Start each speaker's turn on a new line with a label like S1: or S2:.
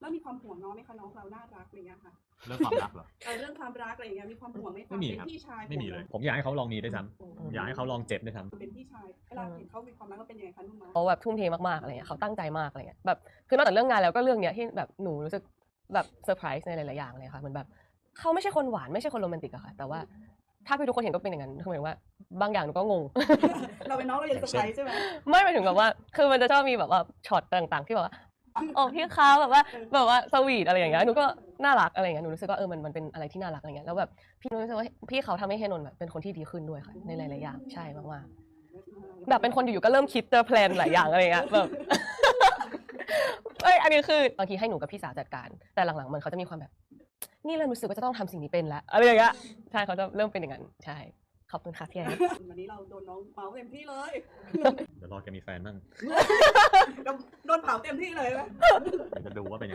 S1: แล้วมีความห่วงน้องไหมคะน้องเราน่ารักอะไรเงี้ยค่ะ
S2: เรื่องความรักเหรอ
S1: เรื่องความรักอะไรเงี้ยมีความห่วงไหมคะ
S2: ไม่มี
S1: เป็น
S2: ครับ
S1: พี่ชาย
S2: ไม่มีเลย
S3: ผมอยากให้เขาลองมีด้วยซ้ำอยากให้เขาลองเจ็บด้วยซ้ำ
S1: เป็นพี่ชายเวลาเห็นเขามีความรักก็เป็นยังไงคะนุ่มมา
S4: เขาแบบทุ่มเทมากๆอะไรเงี้ยเขาตั้งใจมากอะไรเงี้ยแบบคือนอกจากเรื่องงานแล้วก็เรื่องเนี้ยที่แบบหนูรู้สึกแบบเซอร์ไพรส์ในหลายๆอย่างเลยค่ะเหมือนแบบเขาไม่ใช่คนหวานไม่ใช่คนโรแมนติกอะค่ะแต่ว่าถ้าพี่ทุกคนเห็นก็เป็นอย่างนั้นคือหมายถึงว่าบางอย่างหนูก็งง
S1: เราเป็นน้องเรายังเซอร์ไพรส์ใช่ไหม
S4: ไม่หมายถึงแบบว่าคือมันจะชอบมีแบบว่าช็อตต่างๆที่แบบว่าอ๋อพี่เขาแบบว่าสวีทอะไรอย่างเงี้ยหนูก็น่ารักอะไรอย่างเงี้ยหนูรู้สึกว่ามันเป็นอะไรที่น่ารักอะไรเงี้ยแล้วแบบพี่รู้สึกว่าพี่เขาทำให้เฮนนท์แบบเป็นคนที่ดีขึ้นด้วยค่ะในหลายๆอย่างใช่มากๆแบบเป็นคนอยู่ๆก็เริ่มคิดเตอร์แพลนหลายอย่างอะไรเงี้ยแบบ เอ้ยอันนี้คือบางทีให้หนูกับพี่สาวจัดการแต่หลังๆมันเขาจะมีความแบบนี่เริ่มรู้สึกว่าจะต้องทำสิ่งนี้เป็นแล้วอะไรอย่างเงี้ยใช่เขาจะเริ่มเป็นอย่างนั้นใช่ขอบคุณค่ะพี่แอน
S1: วันนี้เราโดนน้องเมาเต็มที่เลย
S3: เดี๋ยวรอแกมีแฟนบ้าง
S1: โดนเผาเต็มที่เลยไหม
S3: จะดูว่าเป็น